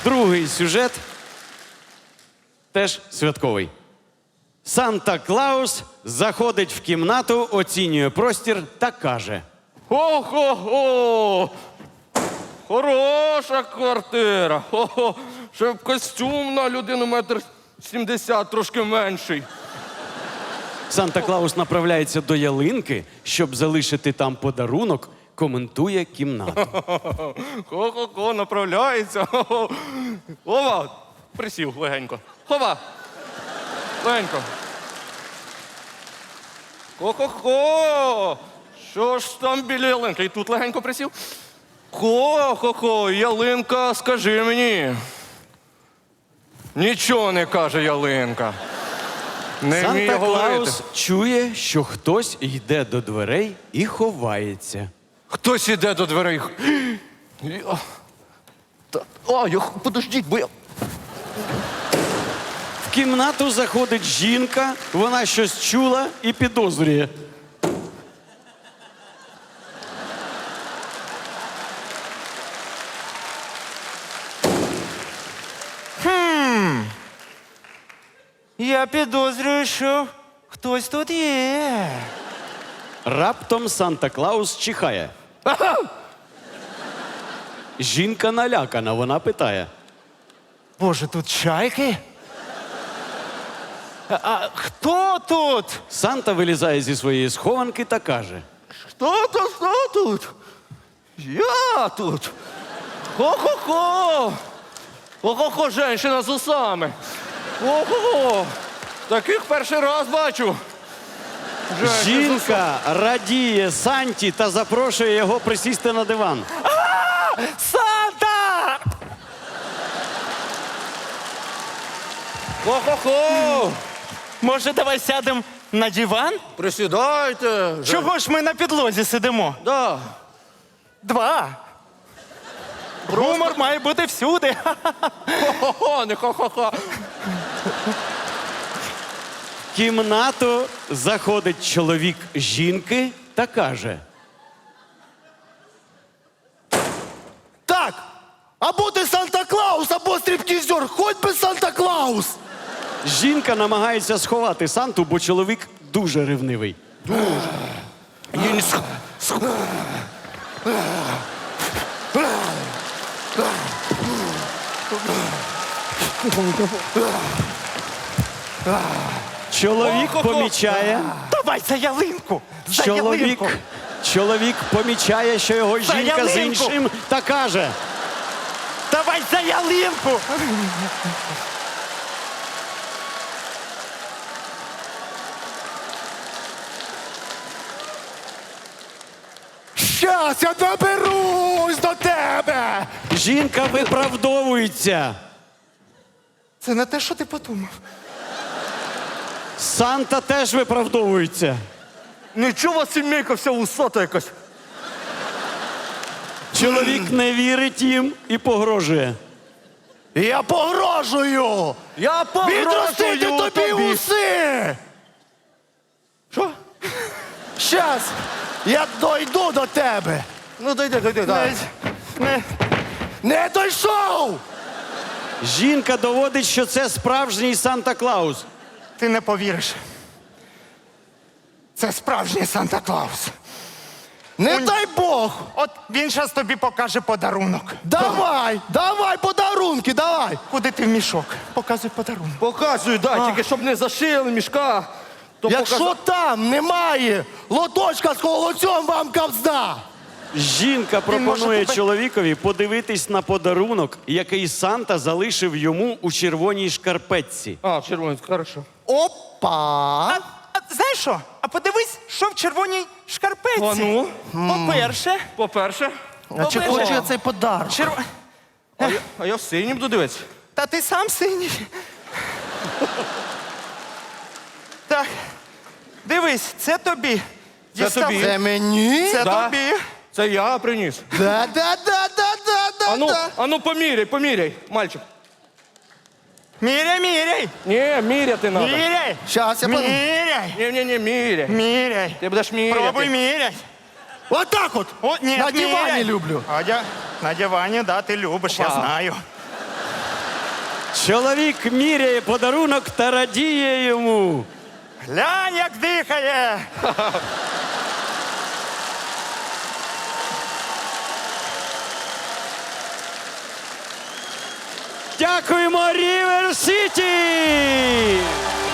Другий сюжет теж святковий. Санта-Клаус заходить в кімнату, оцінює простір та каже: Хо-хо-хо! Хороша квартира. Хо-хо. Ще б костюм на людину 1,70 м, трошки менший. Санта-Клаус направляється до ялинки, щоб залишити там подарунок, коментує кімнату. Хо-хо-хо, направляється. Хо-хо. Ова, присів легенько. Хова. Легенько. Хо-хо-хо. Що ж там біля ялинки? І тут легенько присів. Хо-хо-хо, ялинка, скажи мені. Нічого не каже ялинка. Не вміє говорити. Санта-Клаус чує, що хтось йде до дверей і ховається. Хтось іде до дверей. Подождіть, бо я... В кімнату заходить жінка, вона щось чула і підозрює. Я підозрюю, що хтось тут є. Раптом Санта-Клаус чихає. Жінка налякана, вона питає. Боже, тут чайки? А хто тут? Санта вилізає зі своєї схованки та каже: Хто тут? Я тут. Хо-хо-хо. Хо-хо-хо, женщина з усами. Хо-хо-хо. Таких перший раз бачу. Женщина з усами. Жінка радіє Санті та запрошує його присісти на диван. Санта! Хо-хо-хо. Може, давай сядемо на диван? Присідайте. Чого ж ми на підлозі сидимо? Да. 2. Гумор має бути всюди. Хо-хо-хо, не хо-хо-хо. В кімнату заходить чоловік жінки та каже: Так, або ти Санта-Клаус, або стриптізер, хоч би Санта-Клаус. Жінка намагається сховати Санту, бо чоловік дуже ревнивий. Чоловік помічає. Давай за ялинку! За Чоловік, ялинку! чоловік помічає, що його За жінка з ялинку! іншим та каже: Давай за ялинку! Щас я доберусь до тебе. жінка виправдовується. Це не те, що ти подумав. Санта теж виправдовується. Нічого, у вас сімейка вся усата якась. Чоловік не вірить їм і погрожує. Я погрожую. Я Відростити погрожую тобі уси. Що? Щас я дойду до тебе. Ну, дойди, дай. Не дійшов. Жінка доводить, що це справжній Санта-Клаус. Ти не повіриш. Це справжній Санта-Клаус. Не дай Бог. От він зараз тобі покаже подарунок. Давай подарунки, давай. Куди ти в мішок? Показуй подарунок. Показую, дай, тільки щоб не зашили мішка. То Якщо там немає лоточка з холодцем, вам кавзда. Жінка пропонує чоловікові подивитись на подарунок, який Санта залишив йому у червоній шкарпетці. А, червоний, хорошо. Опа. А знаєш що? А подивись, що в червоній шкарпетці. А ну? По-перше, По-перше, А чи хочу я цей подарунок? а я в синій буду дивитися. Та ти сам синій. Так, дивись, це тобі. Це Дістав. тобі. Це мені? Це Да. тобі. Це я приніс. Да. А ну поміряй, мальчик. Міряй. Ні, міряти треба. Міряй. Щас я подумаю. Міряй. Ні, міряй. Міряй. Ти будеш міряти. Пробуй міряй. Отак от. О, ні, На дивані міряй. люблю. На дивані, да, ти любиш, я Опа. знаю. Чоловік міряє подарунок та радіє йому. Глянь, як дихає. Дякуємо, Рівер Сіті!